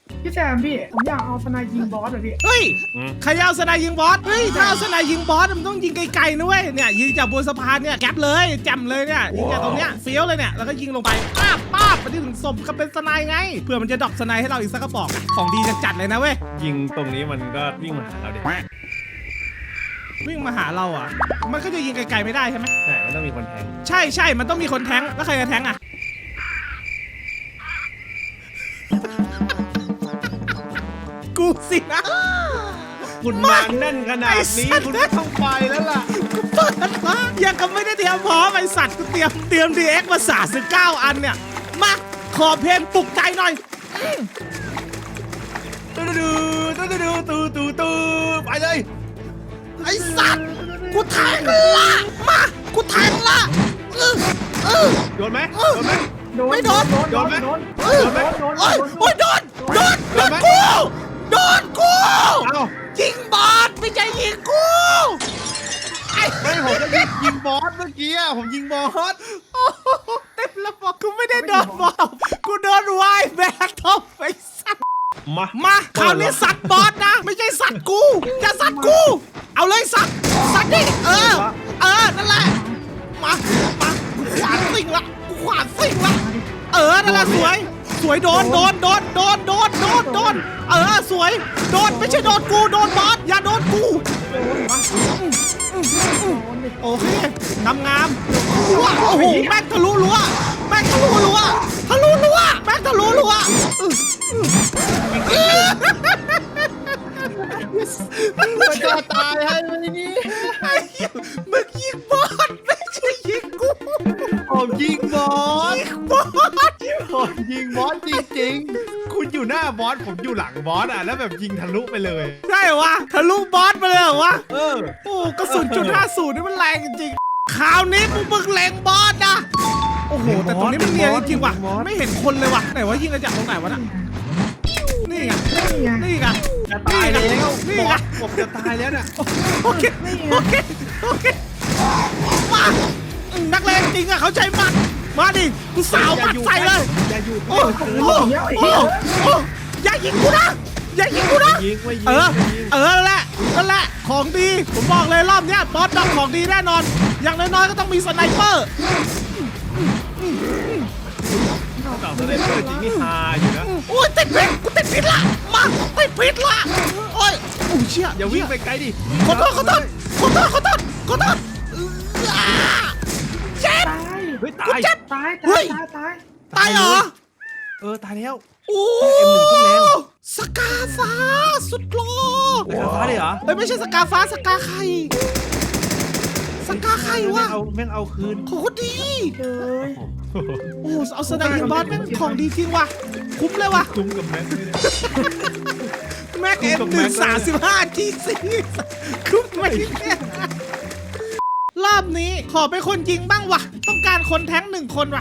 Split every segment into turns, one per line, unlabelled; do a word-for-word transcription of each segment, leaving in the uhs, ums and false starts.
พี่แซมพี่ผมอยากเอาสไนยิงบอสเลยพี่
เฮ้ยใครเอาสไนยิงบอสเฮ้ยถ้าเอาสไนยิงบอสมันต้องยิงไกลๆนะเว้ยเนี่ยยิงจากบนสะพานเนี่ยแก๊ปเลยแจ่มเลยเนี่ยยิงจากตรงเนี้ยเฟี้ยวเลยเนี่ยแล้วก็ยิงลงไปป้าบป้าบไปที่ถึงสมกับเป็นสไนไงเพื่อมันจะดรอปสไนให้เราอีกสักกระบอกของดีจัดๆเลยนะเว้ย
ยิงตรงนี้มันก็วิ่งมาหาเราดิ
วิ่งมาหาเราอ่ะมันก็จะยิงไกลๆไม่ได้ใช่ไหม
ใช่มันต้องมีคนแทง
ใช่ใช่มันต้องมีคนแทงแล้วใครจะแทงอ่ะกูสินะ
คุณมาแน่นขนาดนี้คุณไม่ต้องไปแล้วล่ะ
กูเปิดมายังก็ไม่ได้เตรียมพร้อมไอสัตว์กูเตรียมเตรียมดีเอ็กมาสามสิบเก้าอันเนี่ยมาขอเพลงปลุกใจหน่อย
ตูดูตูดูตูตูตูไปเลย
ไอสัตว์กูแทงละมากูแทงละเออเออ
โดนไหมโดนไหม
ไม่โดน
โดน
โดนไหม
โดน
เออ
โดนโดน
โอ้ยโอ้ยโดนโดนโดนกูโดนกู
เอ้า
ยิงบอสไม่ใช่ยิงกูไอ้
ไม่ผมจะยิงยิงบอสเมื่อกี้อะผมยิงบอส
โอ้โหเต็มระบบกูไม่ได้โดนบอสกูโดนวายแบกท็อปไอ้สัตว์
มา
มาคราวนี้สัตว์บอสนะไม่ใช่สัตว์กูอย่าสัตว์กู เอาเลยสัตว์สัตว์ดิเออเออนั่นแหละมามากูขวานซิงละกูขวานซิงละเออนั่นแหละสวยสวยโดนโดนโดนโดนโดนโดนโดนเออสวยโดนไม่ใช่โดนกูโดนบอสอย่าโดนกูโอเคงามงามว้าโอ้โหแม่งทะลุรั้วแม่งทะลุรั้วทะลุรั้วแม่งทะลุรั้ว
มันจะตายให้ไหมนี่
ไอ้มึงยิงบอสไม่ใช่ยิงกู
ผมยิงบอส
ยิงบอส
ผมยิงบอสจริงๆคุณอยู่หน้าบอสผมอยู่หลังบอสอ่ะแล้วแบบยิงทะลุไปเลย
ใช่เหรอวะทะลุบอสไปเลยเหรอวะ
เออ
โอ้กระสุนจุดห้าศูนย์นี่มันแรงจริงๆคราวนี้มึงมึงแรงบอสนะโอ้โหแต่ตรงนี้มันเนียนจริงๆว่ะไม่เห็นคนเลยว่ะไหนว่ายิงกันจากตรงไหนวะน่ะนี่ไง
นี่ไง
นี่ไง
จะตายแล้ว
นี่
บอ
ไง
สผมจะตายแล้วน่ะ
โอเคโอเคโอเคมานักเลงจริงอะเขาใจมัดมาดิกูสาวมัดใส่เลย
อย่าอยู่
โอ้โหโอ้โหโอ้อย่ายิงกูนะอย่ายิงกูนะ
ยิงไม่ยิง
เออ
ไม่ยิง
เออนั่นแหละนั่นแหละของดีผมบอกเลยรอบเนี้ยบอสดอกของดีแน่นอน อย่างน้อยๆก็ต้องมีสไนเปอร์
ต่อสไนเปอร์จริงนี่ฮาอยู่นะ
โอ้ยติดพิษกูติดพิษละมาติดพิษละโอ้ยโอ้เชี่ย
อย่าวิ่งไปไกลดิ
ขอโทษขอโทษขอโทษขอโทษขอโทษอ่าเจ็บ
ตาย
เฮ้ย
กู
ตาย
เจ็บ
ตาย
เฮ้
ตาย ยตายตาย
ตายเหรอ
เออตายแล้ว
โอ้
เอ็มหนึ่งขึ้นแรง
สกาฟ้าสุดโล
ไปกับฟ้าเลยเหรอ
เฮ้ยไม่ใช่สกาฟ้าสกาไข่สกาไข่วะ
แม่งเอาแม่งเอาคืน
โคตรดี
เลย
โอ้เอาสไนเปอร์บอสแม่งของดีจริงว่ะคุ้มเลยว่ะ
คุ้มกับแม็กเลยเนี่ย
แม็กเอ็มหนึ่งสามสิบห้าทีซีคุ้มไหมเนี่ยรอบนี้ขอเป็นคนยิงบ้างว่ะต้องการคนแท้งหนึ่งคนว่ะ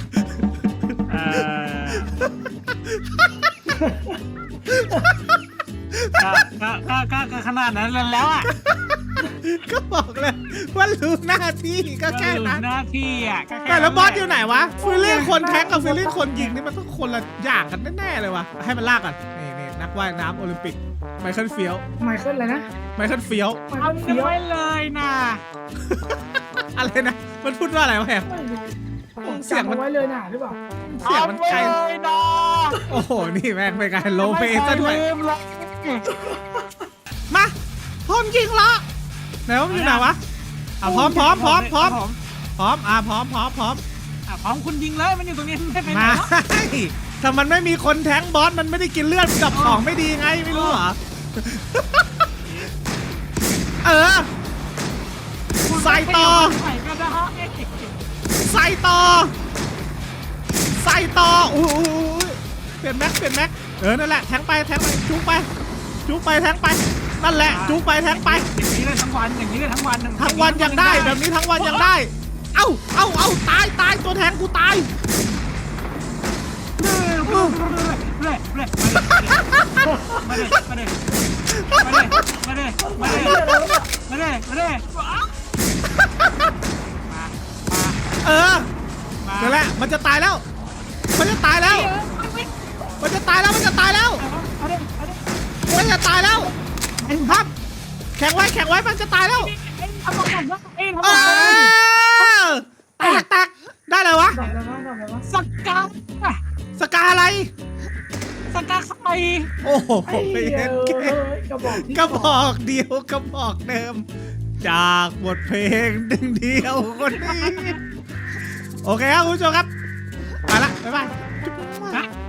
ก็ก็ก็ก็ก็ขนาดนั้นแล้วอ่ะ
ก็บอกเลยว่ารู้หน้าที่ก็แค่นั้น
หน้าที่อ่ะก็ค่
แต่แล้วบอสอยู่ไหนวะฟิลลิ่งคนแท็กกับฟิลลิ่งคนยิงนี่มันต้องคนละอย่างกันแน่ๆเลยวะให้มันลากกันนี่นี่นักว่ายน้ำโอลิมปิกไมเคิลเฟียล
ไมเคิลเลยนะ
ไมเคิลเฟียล
ไม
เอา
เคิล
เนื้
เฟี้ยว
อเลยนะ
อะไรนะมันพูดว่าอะไรวะแฮม เสียง
จำ
มัน
เอาไว้เลยนะหรือเปล่า
เสียงมันไกล
เอาเลยนะ
โอ้โหนี่แม่งไปไกลโลเปซะด้วย
ไม่เคลืมเลย
มาพร้อมยิงละไหนว่ามันอยู่ไหนวะอ่ะพร้อมพร้อมพร้อมพร้อมพร้อมอ่ะพร้อมพร้อมพร้อม
อ่ะพร้อมคุณยิงเลยมันอยู่ตรงนี้ไม่ไปไหน
มา
หรอก
ถ้ามันไม่มีคนแทงบอสมันไม่ได้กินเลือดกับของไม่ดีไงไม่รู้เหรอ เออ ใส่ต่อ
ใส่ก็ได้
ใส่ต่อ ใส่ต่ออู้หูเปลี่ยนแม็กเปลี่ยนแม็กเออนั่นแหละแทงไปแทงไปจุกไปจุกไปแทงไปนั่นแหละจุกไปแทงไป
อย่างนี้เลยทั้งวันอย่างนี้เลยทั้งวัน
ทั้งวันยังได้แบบนี้ทั้งวันยังได้ เอ้าเอ้าเอ้าตายตายตัวแทงกูตาย
เร่เร่มาเลยมาเลยมาเลยมาเลยมาเลยมาเลยมาเลยมา
เออ
มา
นั่นแหละมันจะตายแล้ว มันจะตายแล้ว มันจะตายแล้วมันจะตายแล้ว
เอาดิ
ข็งไว้แข็งไว้มันจะตายแล้ว
เอ็งทำอะไรวะเอ็งทำ
เอ
อะไร
อแตกแตกได้เลยวะ
ดอกอะไรวะดอกอะไรวะ
สกา
สกาอะไร
สกาใคร
โอ้โห
ไอ้เหี้ย
เก่ง
เอ้ยกระบอกที่
กระบอกเดียวกระบอกเดิม จากบทเพลงหนึ่งเดียวคนนี้ โอเคครับคุณผู้ชมครับ ไปละ บ๊ายบาย
ฮะ